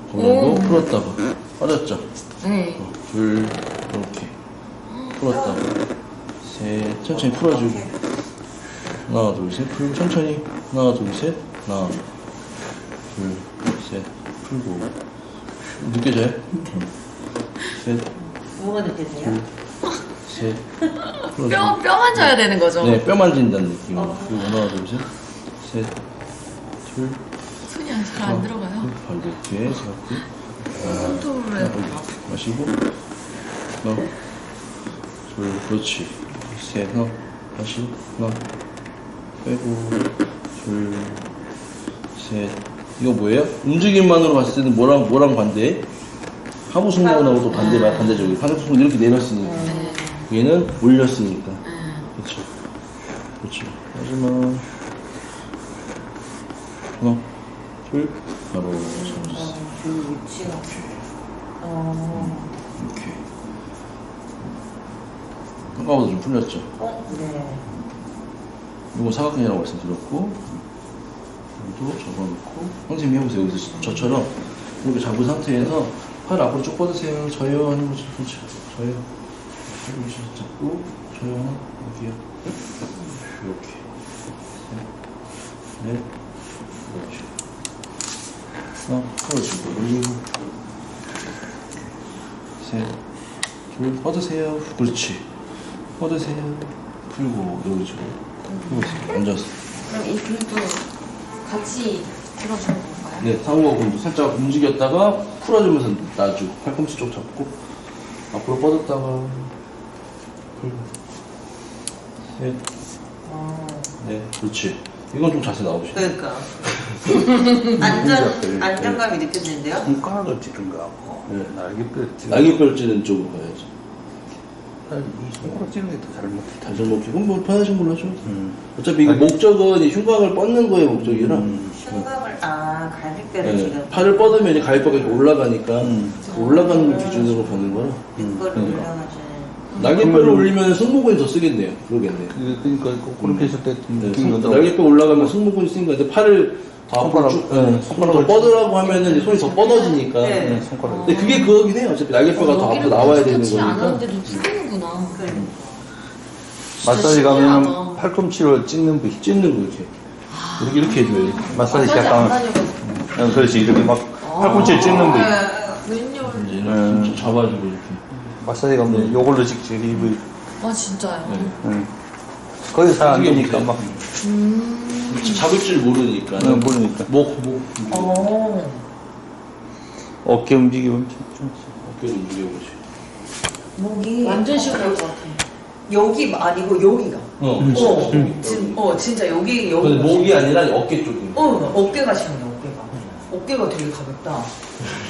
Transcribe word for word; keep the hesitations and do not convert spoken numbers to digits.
거기도 풀었다가 빠졌죠? 네. 어, 둘 이렇게 풀었다가 셋 천천히 풀어주고 하나 둘셋 풀고 천천히 하나 둘셋 하나 둘셋 풀고 느껴져요? 셋 뭐가 느껴져요? 셋 풀어주고 뼈, 뼈 만져야 되는 거죠? 네, 뼈 만진다는 느낌으로. 어. 그리고 하나, 둘, 셋, 셋, 둘, 손이 잘 안 들어가요? 발 이렇게 잡고, 컨트롤을 해야 되나? 마시고, 하나, 둘, 그렇지. 셋, 하나, 다시, 하나, 빼고, 둘, 셋. 이거 뭐예요? 움직임만으로 봤을 때는 뭐랑, 뭐랑 반대? 하부 승모근하고 또 반대, 반대적이에요. 하부 승모근 이렇게 내렸으니까. 네. 얘는 올렸으니까. 네. 그렇죠. 그렇죠. 마지막 하나, 둘, 바로 잡아주세요. 어, 그 위치가. 어. 이렇게. 아까보다 좀 풀렸죠. 어, 네. 이거 사각형이라고 말씀드렸고, 여기도 접어놓고, 선생님 해보세요. 여기서 저처럼 이렇게 잡은 상태에서 팔 앞으로 쭉 뻗으세요. 저요 하는 거죠. 그렇죠. 저요. 여기 잡고, 저요 하나, 여기요. 이렇게. 셋, 넷, 그렇죠. 하나, 풀어주고, 올리고, 셋, 둘, 뻗으세요. 그렇지. 뻗으세요. 풀고, 그렇죠. 풀고 있어요. 앉아서. 그럼 이 근도 같이 들어주는 건가요? 네, 상우가 근도 살짝 움직였다가 풀어주면서 놔주고, 팔꿈치 쪽 잡고, 앞으로 뻗었다가, 풀고, 셋, 어. 네, 그렇지. 이건 좀 자세 나오시죠. 그러니까. 안전, 안정감이 느껴지는데요? 손가락을 찌른 거하고 네. 날개뼈를 찌른 날개뼈를 찌는 쪽으로 가야죠. 이 손가락 찌는 게 더 잘못해. 다시 먹기. 그럼 뭐 편하신 걸로 하죠. 음. 어차피 이거 아니. 목적은 이 흉곽을 뻗는 거예요, 목적이라. 음. 흉곽을, 아, 갈비뼈를 네, 지금. 팔을 뻗으면 이제 가위뼈가 이렇게 올라가니까 음. 그 올라가는 걸 기준으로 보는 거라. 이거를 음. 올려가지고. 날개뼈를 그러면- 올리면 승모근이 더 쓰겠네요. 그러겠네요. 그, 그러니까 그- 그렇게 했을 때 네, 느낌이 승- 더 날개뼈 올라가면 승모근이 쓰니까 이제 팔을 더 앞으로 손가락, 쭉, 네, 네, 손가락 더 손가락을 뻗으라고 하면은 이제 손이 더 뻗어지니까. 네. 네, 손가락. 근데 그게 그거긴 해요. 어차피 날개뼈가 더 앞으로 나와야 되는 터치 안 거니까. 하는데도 풀리는구나. 그래. 마사지 신기하다. 가면 팔꿈치로 찢는 부위. 찢는 거 이렇게. 이렇게, 이렇게 해줘야지. 마사지 마사지 안 시작하면 다녀가지고. 응, 그렇지 이렇게 막 팔꿈치를 찢는 부위. 웬열. 이제 이렇게 음. 좀 잡아주고 이렇게. 마사지 가면 요걸로 직접 이 부위. 아 진짜요? 네. 응. 거기 잘 안 이게 되니까 문제야. 막 음. 잡을 줄 모르니까. 응, 모르니까. 목, 목. 어. 어깨 움직이면 좀, 좀 어깨를 움직여보시. 목이. 완전 시원할 것 같아. 여기 아니고 여기가. 어, 음. 어, 음. 진, 어, 진짜 여기, 여기. 근데 목이 아니라 어깨 쪽이. 어, 어깨가 시원해, 어깨가. 어깨가 되게 가볍다.